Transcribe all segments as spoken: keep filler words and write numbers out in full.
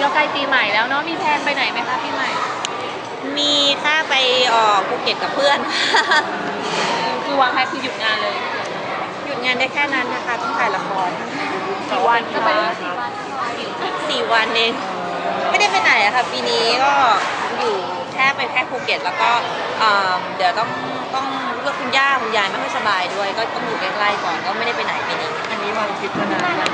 ใกล้ปีใหม่แล้วเนาะมีแพลนไปไหนไหมคะปีใหม่มีค่าไปออกภูเก็ตกับเพื่อนคือวางแผนคือหยุดงานเลยหยุดงานได้แค่นั้นนะคะต้องถ่ายละครกี่วันก็ไปสี่วันเองไม่ได้ไปไหนอะค่ะปีนี้ก็อยู่แค่ไปแค่ภูเก็ตแล้วก็เดี๋ยวต้องต้องเลือกคุณย่าคุณยายไม่ค่อยสบายด้วยก็ต้องอยู่ใกล้ๆก่อนก็ไม่ได้ไปไหนปีนี้อันนี้วางทริปมานานยัง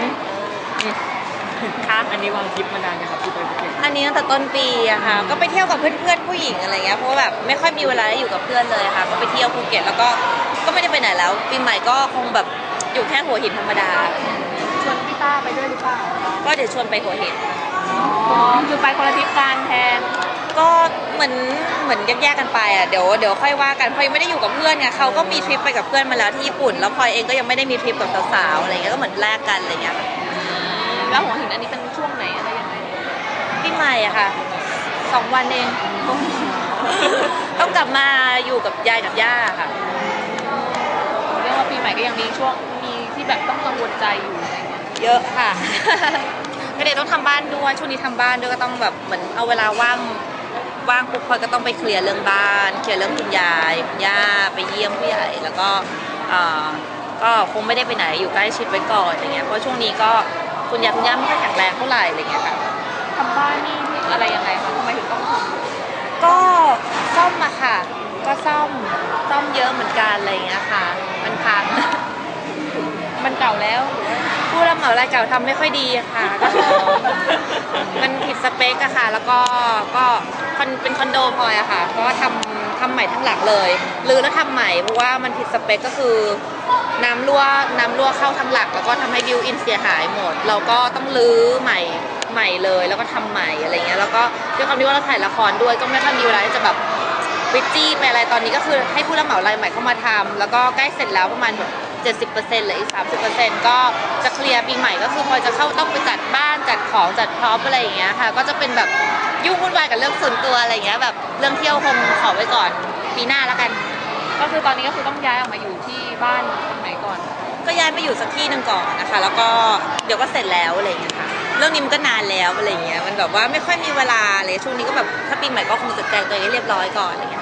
คะอันนี้วางทริปมานานยังครับที่ไปภูเก็ตอันนี้ตั้งแต่ต้นปีอะค่ะก็ไปเที่ยวกับเพื่อนๆผู้หญิงอะไรเงี้ยเพราะว่าแบบไม่ค่อยมีเวลาได้อยู่กับเพื่อนเลยค่ะก็ไปเที่ยวภูเก็ตแล้วก็ก็ไม่ได้ไปไหนแล้วปีใหม่ก็คงแบบอยู่แค่หัวหินธรรมดาชวนพี่ต้าไปด้วยหรือเปล่าก็เดี๋ยวชวนไปหัวหินอ๋อคือไปคนละทริปกันแทนก็เหมือนเหมือนแยกๆกันไปอ่ะเดี๋ยวเดี๋ยวค่อยว่ากันพลอยไม่ได้อยู่กับเพื่อนไงเขาก็มีทริปไปกับเพื่อนมาแล้วที่ญี่ปุ่นแล้วพลอยเองก็ยังไม่ได้มีทริปกับสาวๆอะไรเงี้ยก็เหมือนแลกกันอะไรเงี้ยแล้วหัวหินอันนี้เป็นช่วงไหนอะไรยังไงปีใหม่อะค่ะสองวันเองต้องกลับมาอยู่กับยายกับย่าค่ะเรียกว่าปีใหม่ก็ยังมีช่วงมีที่แบบต้องกังวลใจอยู่เยอะค่ะก็เดี๋ยวต้องทำบ้านด้วยช่วงนี้ทำบ้านด้วยก็ต้องแบบเหมือนเอาเวลาว่างว่างปุ๊บพลอยก็ต้องไปเคลียร์เรื่องบ้านเคลียร์เรื่องคุณยายคุณย่าไปเยี่ยมผู้ใหญ่แล้วก็ก็คงไม่ได้ไปไหนอยู่ใกล้ชิดไว้ก่อนอย่างเงี้ยเพราะช่วงนี้ก็คุณยายคุณย่าไม่ค่อยแข็งแรงเท่าไหร่อะไรเงี้ยค่ะทำบ้านนี่อะไรยังไงคะทำไมถึงต้องทำก็ซ่อมมาค่ะก็ซ่อมซ่อมเยอะเหมือนกันอะไรเงี้ยค่ะมันพังมันเก่าแล้วผู้รับเหมารายเก่าทำไม่ค่อยดีค่ะก็มันผิดสเปคอะค่ะแล้วก็ก็เป็นคอนโดพลอยอะค่ะก็ทำทำใหม่ทั้งหลังเลยรื้อแล้วทำใหม่เพราะว่ามันผิดสเปคก็คือน้ำรั่วน้ำรั่วเข้าทั้งหลักแล้วก็ทำให้บิวอินเสียหายหมดเราก็ต้องรื้อใหม่ใหม่เลยแล้วก็ทำใหม่อะไรเงี้ยแล้วก็ด้วยความที่ว่าเราถ่ายละครด้วยก็ไม่ค่อยมีเวลาที่จะแบบวิจี้ไปอะไรตอนนี้ก็คือให้ผู้รับเหมารายใหม่เข้ามาทำแล้วก็ใกล้เสร็จแล้วประมาณแบบเจ็ดสิบเปอร์เซ็นต์เหลืออีกสามสิบเปอร์เซ็นต์ก็จะเคลียร์ปีใหม่ก็คือพอจะเข้าต้องไปจัดบ้านจัดของจัดพร็อพอะไรอย่างเงี้ยค่ะก็จะเป็นแบบยุ่งวุ่นวายกับเรื่องส่วนตัวอะไรเงี้ยแบบเรื่องเที่ยวคงขอไว้ก่อนปีหน้าแล้วกันก็คือตอนนี้ก็คือต้องย้ายออกมาอยู่ที่บ้านตรงไหนก่อนก็ย้ายไปอยู่สักที่หนึ่งก่อนนะคะแล้วก็เดี๋ยวก็เสร็จแล้วอะไรอย่างเงี้ยค่ะเรื่องนี้มันก็นานแล้วอะไรเงี้ยมันแบบว่าไม่ค่อยมีเวลาเลยช่วงนี้ก็แบบถ้าปีใหม่ก็คงจัดแจงตัวเองให้เรียบร้อยก่อนอะไรเงี้ย